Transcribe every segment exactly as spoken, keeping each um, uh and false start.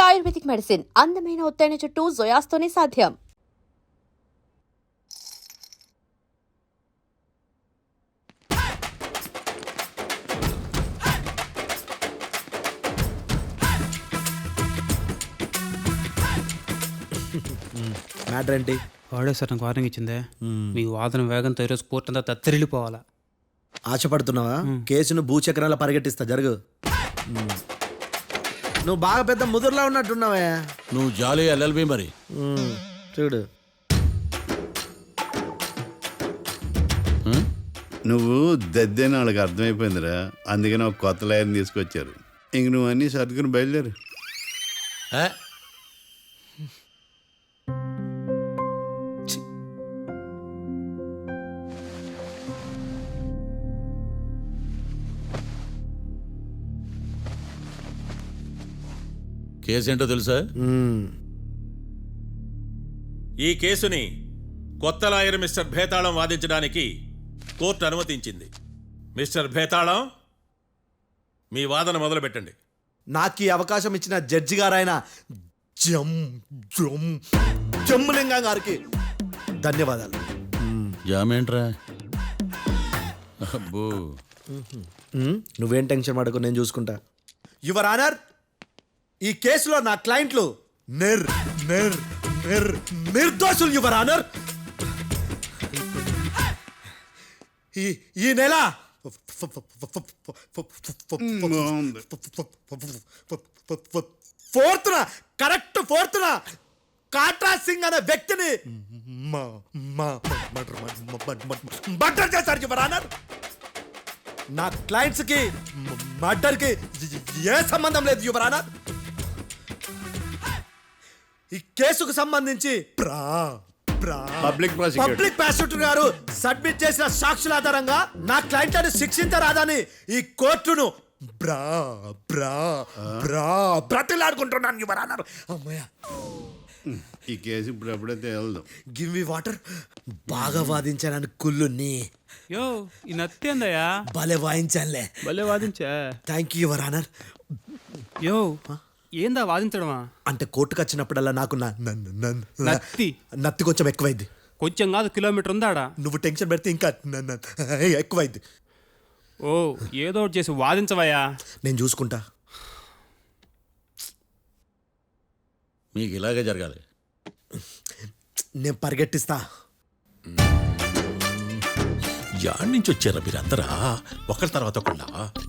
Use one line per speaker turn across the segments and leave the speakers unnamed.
Ayurvedic medicine అందమైన ఒత్తైన చుట్టూ జోయాస్తోనే సాధ్యం.
మ్యాటర్ ఏంటి?
వాడే సార్ నాకు వార్నింగ్ ఇచ్చిందే, మీ వాదన వేగంతో ఈరోజు కోర్టు అంతా తత్తరిల్లిపోవాలా.
ఆశపడుతున్నావా? కేసును భూచక్రాల పరిగెట్టిస్తా, జరుగు. నువ్వు బాగా పెద్ద ముదురులా ఉన్నట్టున్నావే.
నువ్వు జాలి ఎల్ఎల్బి మరి
చూడు.
నువ్వు దద్దేని వాళ్ళకి అర్థమైపోయిందిరా, అందుకని ఒక కొత్త లాయర్ని తీసుకొచ్చారు. ఇంక నువ్వు అన్నీ సర్దుకుని బయలుదేరు.
కేసు ఏంటో తెలుసా?
ఈ కేసుని కొత్త లాయర్ మిస్టర్ భేతాళం వాదించడానికి కోర్టు అనుమతించింది. మిస్టర్ భేతాళం, మీ వాదన మొదలు పెట్టండి.
నాకు ఈ అవకాశం ఇచ్చిన జడ్జి గారైన జమ్ జమ్ జమ్ములింగం గారికి ధన్యవాదాలు.
జామేంట్రా? అబ్బో,
నువ్వేం టెన్షన్ పడకు, నేను చూసుకుంటా. యువర్ ఆనర్, ఈ కేసులో నా క్లయింట్లు నిర్ నిర్ నిర్ నిర్దోషులు యువర్ ఆనర్. ఈ ఈ నెల ఫోర్త్న కరెక్ట్ ఫోర్త్న కాట్రా సింగ్ అనే వ్యక్తిని మర్డర్ చేశారు యువర్ ఆనర్. నా క్లయింట్స్ కి మర్డర్ కి ఏ సంబంధం లేదు యువర్ ఆనర్. ఈ కేసుకు సంబంధించి
పబ్లిక్
పబ్లిక్ ప్రాసిక్యూటర్ గారు సబ్మిట్ చేసిన సాక్షుల ఆధారంగా నా క్లయింట్లను శిక్షించరాదని ఈ కోర్టును బ్రా బ్రా బ్రా బ్రతిలాడుకుంటున్నాను యువర్ ఆనర్. అమ్మయ్య,
ఈ కేసు ఇప్పుడు ఎప్పుడైతే వెళ్దాం.
Give me water. బాగా వాదించానని కుళ్ళుని
యో ఈ నత్తేందయ్యా,
భలే వాయించానులే.
భలే వాదించా.
Thank you your honour.
యో ఏందా వాదించడమా?
అంటే కోర్టుకు వచ్చినప్పుడల్లా నాకు నా- న- న- న-
నత్తి
నత్తి కొంచెం ఎక్కువైంది.
కొంచెం కాదు, కిలోమీటర్ ఉందాడా.
నువ్వు టెన్షన్ పెడితే ఇంకా న- న- ఎక్కువైంది.
ఓ ఏదో ఒకటి చేసి వాదించవయ్యా.
నేను చూసుకుంటా.
మీకు ఇలాగే జరగాలి.
నేను పరిగెట్టిస్తా.
యాడ్ నుంచి వచ్చారా మీరందరా ఒకరి తర్వాత ఒకళ్ళ?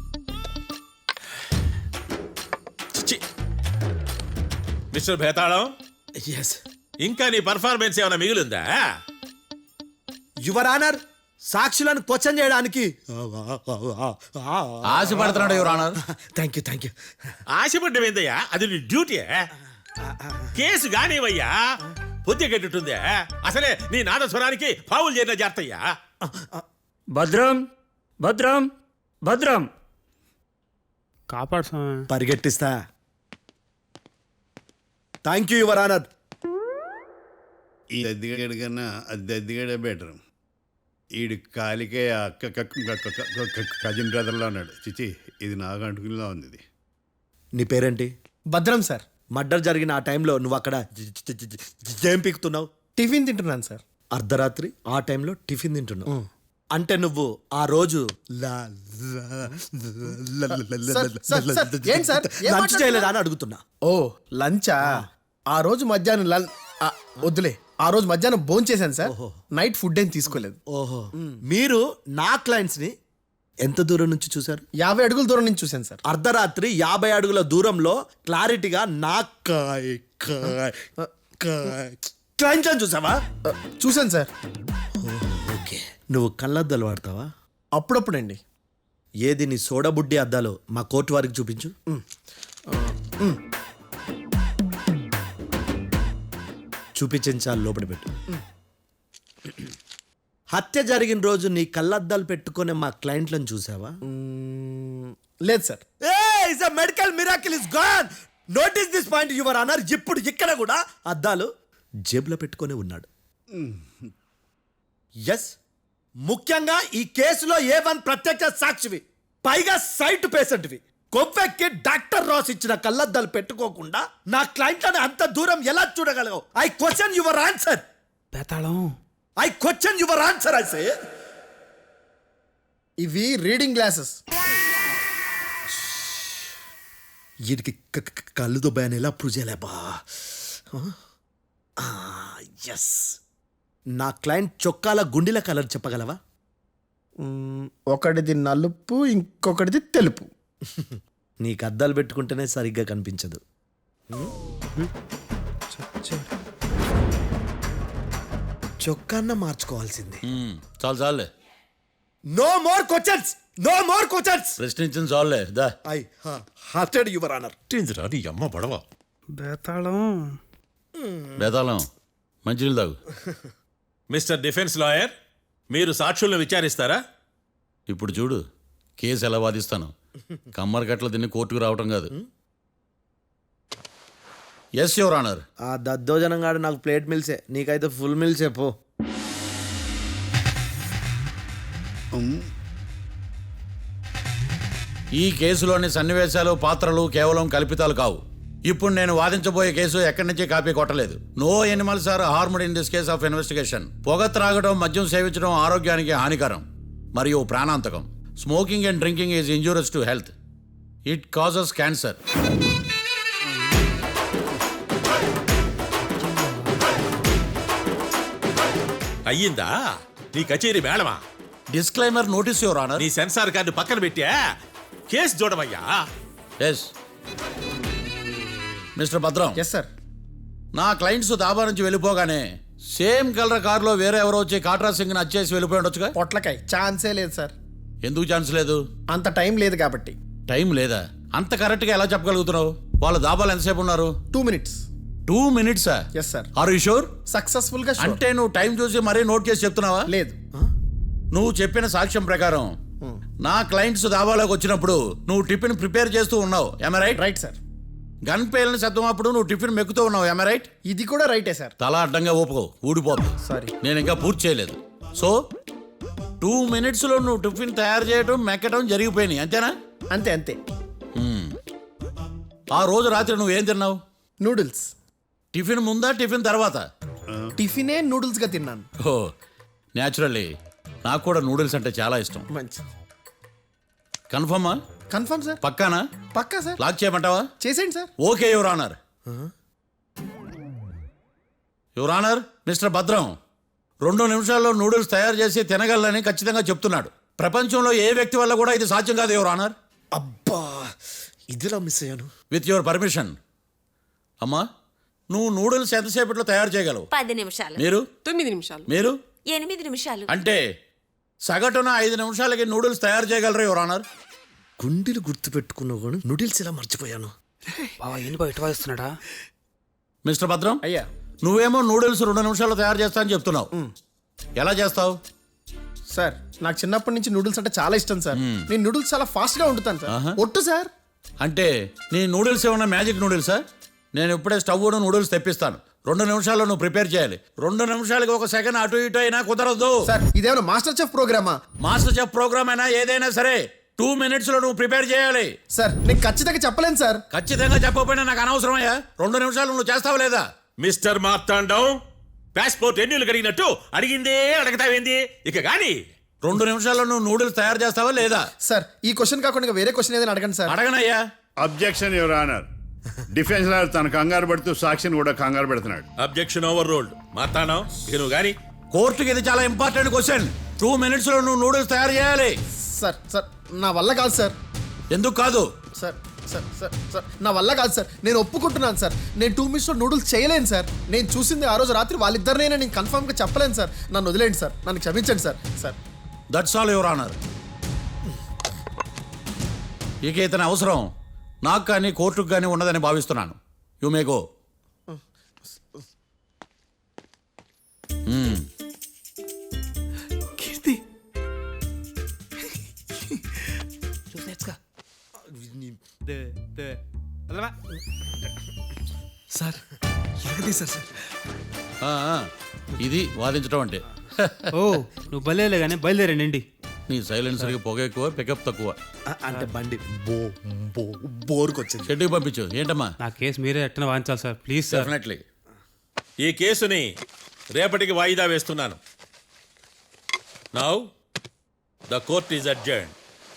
మిస్టర్ భేతాళం,
ఎస్
ఇంకా నీ పర్ఫార్మెన్స్ ఏమైనా మిగిలిందా?
యువర్ ఆనర్, సాక్షులను క్వశ్చన్ చేయడానికి
ఆశపడుతున్నాడు your honour.
Thank you thank you.
ఆశపడ్డం ఏందయ్యా, అది నీ డ్యూటీ. కేసు గానివయ్యా, పొద్దు గట్టుందే. అసలే నీ నాదస్వరానికి పావులు చేరిన జాతయ్యా.
భద్రం భద్రం భద్రం.
కాపాడు స్వామి.
పరిగెట్టిస్తా. Thank you your honour.
ఈ దద్దిగడి కన్నా అది దద్దిగడే బెటర్. ఈడు కాలికే కజిన్ బ్రదర్లో ఉన్నాడు. చిచి, ఇది నాకు అంటుకునిలా ఉంది. ఇది
నీ పేరేంటి?
భద్రం సార్.
మర్డర్ జరిగిన ఆ టైంలో నువ్వు అక్కడ ఏం పీకుతున్నావు?
టిఫిన్ తింటున్నాను సార్.
అర్ధరాత్రి ఆ టైంలో టిఫిన్ తింటున్నావు అంటే నువ్వు ఆ రోజు లంచ్ చేయలేదా అని అడుగుతున్నా.
ఓ లంచా? ఆ రోజు మధ్యాహ్నం లం ఆ, వద్దులే, ఆ రోజు మధ్యాహ్నం భోజనం చేశాను సార్. నైట్ ఫుడ్ ఏం తీసుకోలేదు.
ఓహో, మీరు నా క్లయింట్స్ ని ఎంత దూరం నుంచి చూశారు?
యాభై అడుగుల దూరం నుంచి చూశాను సార్.
అర్ధరాత్రి యాభై అడుగుల దూరంలో క్లారిటీగా నా కాయ్ కాయ్ కాయ్ క్లయింట్స్ అని చూసావా?
చూశాను సార్.
ఓకే, నువ్వు కళ్ళద్దాలు వాడతావా?
అప్పుడప్పుడండి.
ఏది నీ సోడబుడ్డి అద్దాలు మా కోర్టు వారికి చూపించు. చూపించాలి, లోపల పెట్టు. హత్య జరిగిన రోజు నీ కళ్ళద్దాలు పెట్టుకునే మా క్లయింట్లను చూసావా?
లేదు sir.
Medical miracle is gone. Notice this point your honour. ఇప్పుడు ఇక్కడ కూడా అద్దాలు జేబులో పెట్టుకునే ఉన్నాడు. ఎస్, ముఖ్యంగా ఈ కేసులో ఏ వన్ ప్రత్యక్ష సాక్షివి, పైగా సైట్ పేషెంట్వి. కొవ్వెక్కి డాక్టర్ రాస్ ఇచ్చిన కళ్ళద్దాలు పెట్టుకోకుండా నా క్లయింట్లని అంత దూరం ఎలా చూడగలవు? I question your answer.
Betalam
I question your answer. I say
ఇవి రీడింగ్ గ్లాసెస్.
వీడికి కళ్ళు దుబ్బాయని ఎలా ప్రూవ్ చేయలేబా? ఎస్, నా క్లయింట్ చొక్కాల గుండెల కలర్ చెప్పగలవా?
మ్మ్, ఒకటిది నలుపు, ఇంకొకటిది తెలుపు.
నీకు అద్దాలు పెట్టుకుంటేనే సరిగ్గా కనిపించదు. చొక్కాన్న మార్చుకోవాల్సింది.
చాలు చాలులే,
no more questions, no more questions.
ప్రశ్నించిన చాలులే దా.
I hearted your honour.
ఏందిరా నీ అమ్మ పడవ.
బేతాళం
బేతాళం మంచినీళ్ళు తాగు.
మిస్టర్ డిఫెన్స్ లాయర్, మీరు సాక్షులను విచారిస్తారా?
ఇప్పుడు చూడు కేసు ఎలా వాదిస్తాను. కమ్మరి కట్టలు తిని కోర్టుకు రావటం కాదు. Yes your honour.
ఆ దద్దోజనంగాడు నాకు ప్లేట్ మిల్సే, నీకైతే ఫుల్ మిల్సే పో.
ఈ కేసులోని సన్నివేశాలు పాత్రలు కేవలం కల్పితాలు కావు. ఇప్పుడు నేను వాదించబోయే కేసు ఎక్కడి నుంచి కాపీ కొట్టలేదు. No animals are harmed in this case of investigation. పొగ త్రాగడం, మద్యం సేవించడం ఆరోగ్యానికి హానికరం మరియు ప్రాణాంతకం. Smoking and drinking is injurious to health. It causes cancer.
అయ్యిందా నీ కచేరీ మేడమా?
Disclaimer notice your honour.
నీ సెన్సార్ కార్డు పక్కన పెట్టా కేసు చూడమయ్యా.
Yes mister Bhadram.
Yes sir.
నా క్లయింట్స్ దాబా నుంచి వెళ్ళిపోగానే సేమ్ కలర్ కారులో వేరే ఎవరో వచ్చి కాట్రా సింగ్ వచ్చేసి వెళ్ళిపోయి ఉండొచ్చుగా.
పొట్లకాయ ఛాన్సే లేదు సార్.
ఎందుకు ఛాన్స్ లేదు?
అంత టైం లేదు కాబట్టి.
టైం లేదా? అంత కరెక్ట్గా ఎలా చెప్పగలుగుతున్నావు? వాళ్ళ దాబాలు ఎంతసేపు ఉన్నారు?
Two minutes.
టూ మినిట్సా?
Yes sir.
Are you sure?
Successful గా sure.
అంటే నువ్వు టైం చూసి మరీ నోట్ చేసి చెప్తున్నావా?
లేదు.
నువ్వు చెప్పిన సాక్ష్యం ప్రకారం నా క్లయింట్స్ దాబాలోకి వచ్చినప్పుడు నువ్వు టిఫిన్ ప్రిపేర్ చేస్తూ ఉన్నావు. Am right?
Right sir.
Gun పేలిన శబ్దం అప్పుడు నువ్వు టిఫిన్ మెక్కుతూ ఉన్నావు. Am right?
ఇది కూడా రైటే సార్.
తల అడ్డంగా ఊపుకో, ఊడిపోతుంది.
సారీ.
నేను ఇంకా పూర్తి చేయలేదు. సో టూ మినిట్స్లో నువ్వు టిఫిన్ తయారు చేయడం మెక్కడం జరిగిపోయినాయి అంతేనా?
అంతే అంతే.
మ్మ్. ఆ రోజు రాత్రి నువ్వేం తిన్నావు?
నూడిల్స్.
టిఫిన్ ముందా టిఫిన్ తర్వాత?
టిఫినే నూడిల్స్ గా తిన్నాను.
ఓ న్యాచురల్లీ నాకు కూడా నూడిల్స్ అంటే చాలా ఇష్టం.
మంచి.
కన్ఫర్మా?
Confirm sir.
పక్కానా?
పక్కా సార్.
లాక్ చేయమంటావా?
చేసేయండి sir.
Okay your honour. Your honour, mister Bhadram రెండు నిమిషాల్లో నూడిల్స్ తయారు చేసి తినగలని ఖచ్చితంగా చెప్తున్నాడు. ప్రపంచంలో ఏ వ్యక్తి వల్ల కూడా ఇది సాధ్యం కాదు యువర్ ఆనర్.
అబ్బా, ఇదిలా మిస్ అయ్యాను.
With your permission. అమ్మా, నువ్వు నూడిల్స్ ఎంతసేపట్లో తయారు చేయగలవు?
పది నిమిషాలు.
మీరు?
తొమ్మిది నిమిషాలు.
మీరు?
ఎనిమిది నిమిషాలు.
అంటే సగటున ఐదు నిమిషాలకి నూడిల్స్ తయారు చేయగలరు యువర్ ఆనర్.
గుండెలు గుర్తు పెట్టుకున్నావు కానీ నూడిల్స్ ఇలా మర్చిపోయాను.
బావా ఏంటి బయట వాయిస్తున్నాడా?
మిస్టర్ భద్రం,
అయ్యా
నువ్వేమో నూడిల్స్ రెండు నిమిషాల్లో తయారు చేస్తా అని చెప్తున్నావు. ఎలా చేస్తావు?
సార్, నాకు చిన్నప్పటి నుంచి నూడిల్స్ అంటే చాలా ఇష్టం సార్. నేను నూడిల్స్ చాలా ఫాస్ట్ గా వండుతాను సార్. ఒట్టు సార్.
అంటే నీ నూడిల్స్ ఏమన్నా మ్యాజిక్ నూడిల్సా? నేను ఇప్పుడే స్టవ్ నూడిల్స్ తెప్పిస్తాను. రెండు నిమిషాల్లో నువ్వు ప్రిపేర్ చేయాలి. రెండు నిమిషాలకి ఒక సెకండ్ అటు ఇటు అయినా కుదరదు.
సార్, ఇదేమైనా మాస్టర్ చెఫ్ ప్రోగ్రామా?
మాస్టర్ చెఫ్ ప్రోగ్రామ్ అయినా ఏదైనా సరే టూ మినిట్స్ లో నువ్వు ప్రిపేర్ చేయాలి.
సార్, నేను ఖచ్చితంగా చెప్పలేను సార్.
ఖచ్చితంగా చెప్పకపోయినా నాకు అనవసరమయ్యా. రెండు నిమిషాలు నువ్వు చేస్తావా లేదా?
మిస్టర్ మార్తాండం, పాస్పోర్ట్ ఎన్నిళ్ళు కడిగినట్టు అడిగిందే అడగతావేంది? ఇక గాని
రెండు నిమిషాల్లో నువ్వు నూడిల్స్ తయారు చేస్తావా లేదా?
సార్, ఈ క్వశ్చన్ కాకుండా ఇంకా వేరే క్వశ్చన్ ఏదైనా అడగండి సార్.
అడగనయ్యా.
Objection your honour. Defence lawyer తన కంగారు పడుతూ సాక్షిని కూడా కంగారు పెడుతున్నాడు.
Objection over ruled. మార్తాండం, ఇక నువ్వు గాని
కోర్టుకి ఇది చాలా ఇంపార్టెంట్ క్వశ్చన్. టూ మినిట్స్ లో నువ్వు నూడిల్స్ తయారు చేయాలి.
సార్ సార్ నా వల్ల కాదు సార్.
ఎందుకు కాదు?
సార్ సార్ సార్ సార్ నా వల్ల కాదు సార్. నేను ఒప్పుకుంటున్నాను సార్. నేను టూ మినిట్స్లో నూడిల్స్ చేయలేను సార్. నేను చూసింది ఆ రోజు రాత్రి వాళ్ళిద్దరినైనా నేను కన్ఫర్మ్గా చెప్పలేను సార్. నన్ను వదిలేండి సార్. నన్ను క్షమించండి sir. Sir
that's all your honour. ఇక ఇతని అవసరం నాకు కానీ కోర్టుకు కానీ ఉండదని భావిస్తున్నాను. You may go.
Keerthi
sir ఎరగదీశారు సార్.
ఇది వాదించడం అంటే.
ఓ నువ్వు బయలుదేరలే కానీ బయలుదేరండి.
నీ సైలెన్సర్కి పొగ ఎక్కువ పికప్ తక్కువ.
ఆ, అంటే బండి బో బో బోరుకొచ్చింది.
షెడ్యూల్ పంపించు. ఏంటమ్మా?
నా కేసు మీరే ఎట్టన వాయించాలి సార్ ప్లీజ్ సార్.
డెఫినెట్లీ.
ఈ కేసుని రేపటికి వాయిదా వేస్తున్నాను. Now the court is adjourn.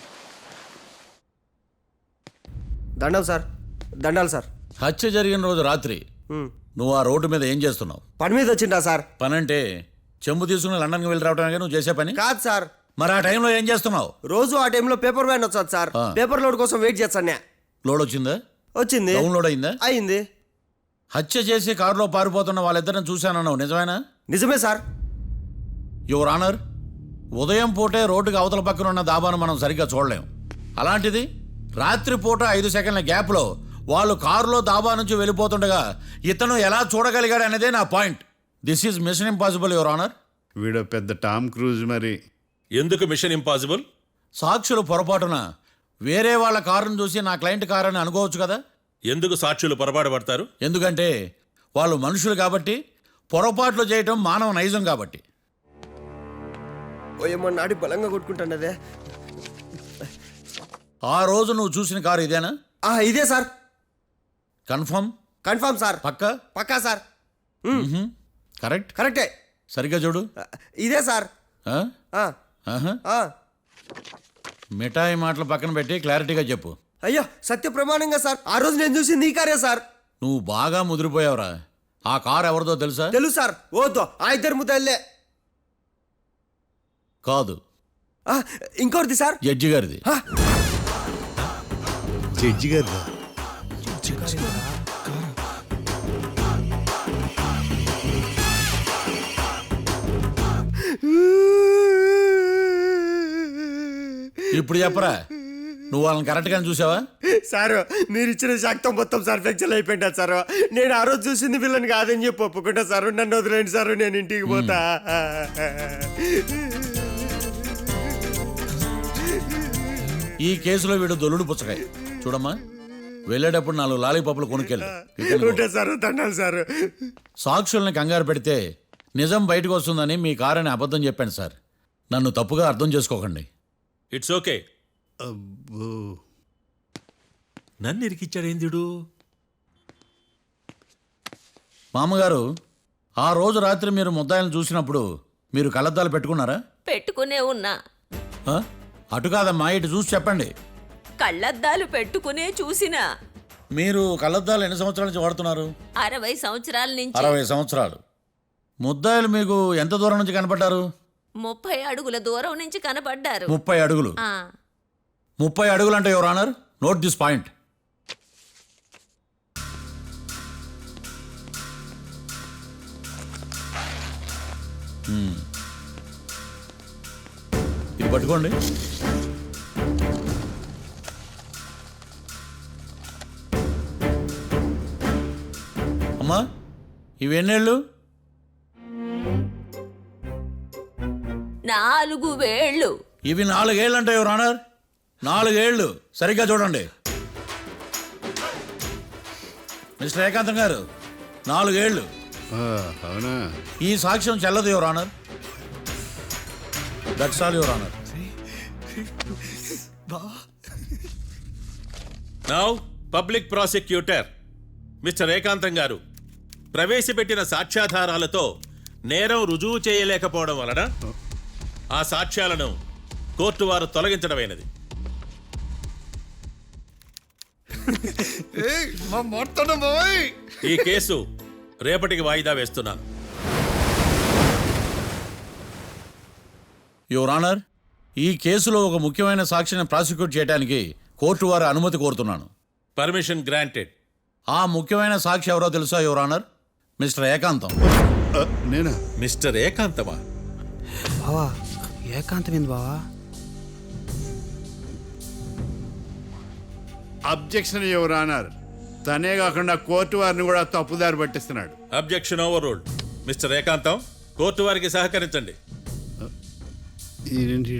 దండం సార్, దండాలి సార్.
హత్య జరిగిన రోజు రాత్రి నువ్వు ఆ రోడ్డు మీద ఏం చేస్తున్నావు?
పని మీద వచ్చిందా సార్?
పని అంటే చెంబు తీసుకుని లండన్కి వెళ్ళి రావడానికి నువ్వు చేసే పని
కాదు సార్,
మరి ఆ టైంలో ఏం చేస్తున్నావు?
రోజు ఆ టైంలో పేపర్ వ్యాన్ వచ్చాది సార్.
ఆ.
పేపర్ లోడ్ కోసం వెయిట్ చేస్తాను.
లోడ్ వచ్చిందా?
వచ్చింది.
డౌన్లోడ్ అయిందా?
అయింది.
హత్య చేసి కారులో పారిపోతున్న వాళ్ళిద్దరిని చూశానన్నావు, నిజమేనా?
నిజమే సార్.
యువర్ ఆనర్, ఉదయం పూటే రోడ్డుకి అవతల పక్కన ఉన్న దాబాను మనం సరిగ్గా చూడలేం. అలాంటిది రాత్రి పూట ఐదు సెకండ్ల గ్యాప్లో వాళ్ళు కారులో దాబా నుంచి వెళ్ళిపోతుండగా ఇతను ఎలా చూడగలిగాడు అనేదే నా point. This is mission impossible your honour.
వీడో పెద్ద టామ్ క్రూజ్ మరి.
ఎందుకు మిషన్ ఇంపాసిబుల్?
సాక్షులు పొరపాటున వేరే వాళ్ళ కారును చూసి నా క్లయింట్ కారు అని అనుకోవచ్చు కదా.
ఎందుకు సాక్షులు పొరపాటు పడతారు?
ఎందుకంటే వాళ్ళు మనుషులు కాబట్టి, పొరపాట్లు చేయటం మానవ నైజం కాబట్టి.
ఓ ఏమో నాడి బలంగా కొట్టుకుంటానదే.
ఆ రోజు నువ్వు చూసిన కారు ఇదేనా?
ఆ, ఇదే సార్.
కన్ఫర్మ్?
Confirm sir.
పక్కా?
పక్కా సార్.
కరెక్ట్?
కరెక్టే.
సరిగ్గా చూడు.
ఇదే సార్.
ఆ?
ఆ,
ఆహా.
ఆ.
మిఠాయి మాటలు పక్కన పెట్టి క్లారిటీగా చెప్పు.
అయ్యో సత్య ప్రమాణంగా సార్, ఆ రోజు నేను చూసి నీ కారే సార్.
నువ్వు బాగా ముదిరిపోయావురా. ఆ కారు ఎవరిదో తెలుసా?
తెలుసు సార్. ఓతో ఆ ఇద్దరు ముద్దల్లే.
కాదు,
ఇంకోటిది సార్.
జడ్జి గారిది.
జడ్జి గారు
ఇప్పుడు చెప్పరా, నువ్వు వాళ్ళని కరెక్ట్గానే చూసావా?
సారు మీరు ఇచ్చిన శాక్తం మొత్తం సార్ ఫ్రాక్చర్ అయిపోయింటా సారు. నేను ఆ రోజు చూసింది వీళ్ళని కాదని చెప్పి ఒప్పుకుంటా సారు. నన్ను వదిలేండి సారు, నేను ఇంటికి పోతా.
ఈ కేసులో వీడు దొల్లుడు పుచ్చకాయ. చూడమ్మా, వెళ్ళేటప్పుడు నాలుగు లాలీపాపులు కొనుక్కెళ్ళు.
ఉంటా సారు, దండాలి సారు.
సాక్షుల్ని కంగారు పెడితే నిజం బయటకు వస్తుందని మీ కారని అబద్ధం చెప్పాను సార్. నన్ను తప్పుగా అర్థం చేసుకోకండి.
It's okay.
అబ్బో.
నన్ను ఇరికిచ్చాడేందుడు?
మామగారు, ఆ రోజు రాత్రి మీరు ముద్దాయిలను చూసినప్పుడు మీరు కళ్ళద్దాలు పెట్టుకున్నారా?
పెట్టుకునే ఉన్నా.
ఆ? అటు కాదమ్మా, ఇటు చూసి చెప్పండి.
కళ్ళద్దాలు పెట్టుకునే చూసినా.
మీరు కళ్ళద్దాలు ఎన్ని సంవత్సరాల నుంచి వాడుతున్నారు?
అరవై సంవత్సరాల నుంచి.
అరవై సంవత్సరాలు. ముద్దాయిలు మీకు ఎంత దూరం నుంచి కనపడ్డారు?
ముప్పై అడుగుల దూరం నుంచి కనపడ్డారు.
ముప్పై అడుగులు.
ఆ,
ముప్పై అడుగులు అంటే your honour, note this point. ఇది పట్టుకోండి. అమ్మా, ఇవి ఎన్నేళ్ళు?
నాలుగు వేళ్ళు.
ఇవి నాలుగేళ్ళు అంటే యువర్ ఆనర్, నాలుగేళ్ళు. సరిగ్గా చూడండి మిస్టర్ ఏకాంతం గారు, నాలుగేళ్ళు.
ఆ, అవునా?
ఈ సాక్ష్యం చెల్లదు your honour. That's all your honour.
Now public prosecutor mister Ekantham గారు ప్రవేశపెట్టిన సాక్ష్యాధారాలతో నేరం రుజువు చేయలేకపోవడం వలన ఆ సాక్ష్యాలను కోర్టు వారు తొలగించడమైనది. ఈ కేసు రేపటికి వాయిదా వేస్తున్నాను.
యువర్ ఆనర్, ఈ కేసులో ఒక ముఖ్యమైన సాక్షిని ప్రాసిక్యూట్ చేయడానికి కోర్టు వారి అనుమతి కోరుతున్నాను.
Permission granted.
ఆ ముఖ్యమైన సాక్షి ఎవరో తెలుసా యువర్ ఆనర్? మిస్టర్ ఏకాంతం.
ఆ, నేనా?
మిస్టర్ ఏకాంతమా?
బావా ఏకాంతమైంది బావా.
Objection your honour. తనే కాకుండా కోర్టు వారిని కూడా తప్పుదారి పట్టిస్తున్నాడు.
Objection overruled. Mister Ekantham, court వారికి సహకరించండి.
ఏంటి?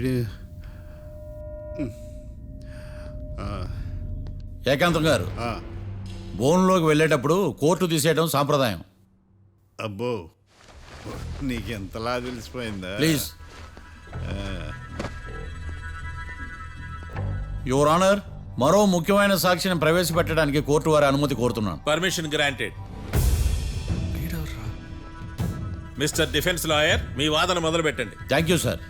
ఏకాంతం గారు, బోన్లోకి వెళ్ళేటప్పుడు కోర్టు తీసేయడం సాంప్రదాయం.
అబ్బో, నీకెంతలా తెలిసిపోయిందా?
ప్లీజ్. యువర్ ఆనర్, మరో ముఖ్యమైన సాక్షిని ప్రవేశపెట్టడానికి కోర్టు వారి అనుమతి కోరుతున్నాను.
Permission granted. Mister defence lawyer, మీ వాదన మొదలు పెట్టండి.
Thank you sir.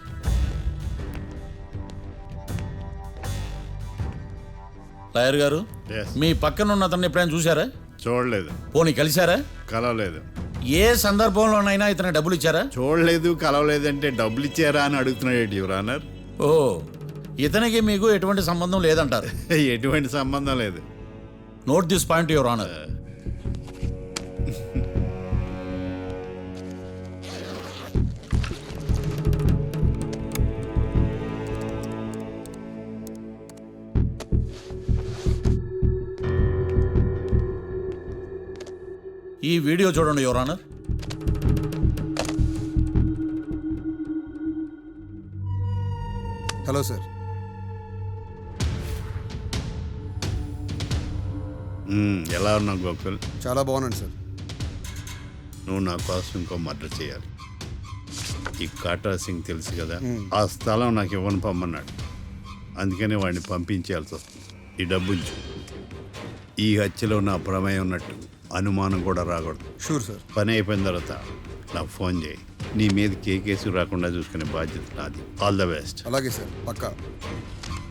లాయర్ గారు,
Yes.
మీ పక్కన ఉన్న అతన్ని ఎప్పుడైనా చూసారా?
చూడలేదు,
పోనీ కలిశారా?
కలవలేదు.
ఏ సందర్భంలోనైనా ఇతను డబ్బులు ఇచ్చారా?
చూడలేదు, కలవలేదు అంటే డబ్బులు ఇచ్చారా అని అడుగుతున్నాడు యువర్ ఆనర్.
ఓ, ఇతనికి మీకు ఎటువంటి సంబంధం లేదంటారు.
ఎటువంటి సంబంధం లేదు.
Note this point your honour. ఈ వీడియో చూడండి యువర్ ఆనర్.
Hello sir.
మ్మ్, ఎలా ఉన్నావు గోకుల్?
చాలా బాగున్నాను సార్.
నువ్వు నా కోసం ఇంకో మర్డర్ చేయాలి. ఈ కాటా సింగ్ తెలుసు కదా, ఆ స్థలం నాకు ఇవ్వని పమ్మన్నాడు. అందుకనే వాడిని పంపించాల్సి వస్తుంది. ఈ డబ్బు ఉంచు. ఈ హత్యలో నా ప్రమేయం ఉన్నట్టు అనుమానం కూడా రాకూడదు.
Sure sir.
పని అయిపోయిన తర్వాత నాకు ఫోన్ చేయి. నీ మీద ఏ కేసు రాకుండా చూసుకునే బాధ్యత నాది. All the best.
అలాగే సార్, పక్కా.